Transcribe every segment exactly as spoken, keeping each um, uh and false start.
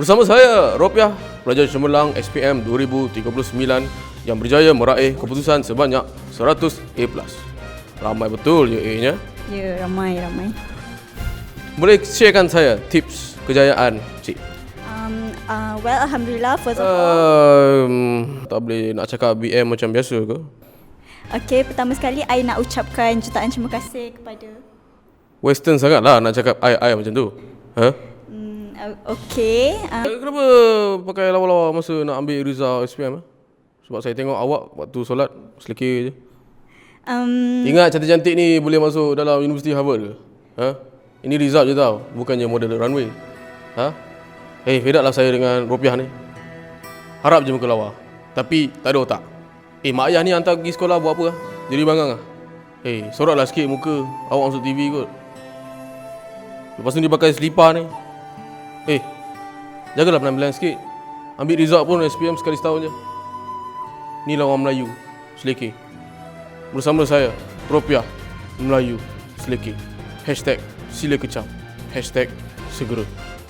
Bersama saya, Ropiah, pelajar cemerlang S P M dua ribu tiga puluh sembilan yang berjaya meraih keputusan sebanyak seratus A plus. Ramai betul je A-nya. Ya, ramai, ramai. Boleh sharekan saya tips kejayaan, Cik? Um, uh, well, Alhamdulillah, first of all. Um, tak boleh nak cakap B M macam biasa ke? Okay, pertama sekali, I nak ucapkan jutaan terima kasih kepada... Western sangat lah nak cakap I-I macam tu. Ha? Um, okay. Um, Kenapa pakai lawa-lawa masa nak ambil result S P M? Eh? Sebab saya tengok awak waktu solat selekeh je. um, Ingat cantik-cantik ni boleh masuk dalam Universiti Harvard ke? Ha? Ini result je tau, bukannya model runway. Ha? Eh, hey, fed up lah saya dengan Ropiah ni. Harap je muka lawa, tapi tak ada otak. Eh, mak ayah ni hantar pergi sekolah buat apa lah? Jadi bangang lah. Eh, hey, soratlah sikit muka, awak masuk T V kot. Lepas tu dia pakai selipar ni. Eh, hey, jagalah penampilan sikit. Ambil result pun S P M sekali setahun je. Ni lah orang Melayu, selekeh. Bersama saya, Ropiah, Melayu, selekeh. Hashtag sila kecam. Hashtag segera.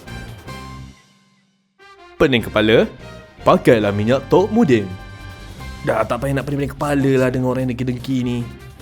Pening kepala? Pakailah minyak Top Mudin. Dah tak payah nak pening-pening kepala lah dengan orang yang dengki-dengki ni.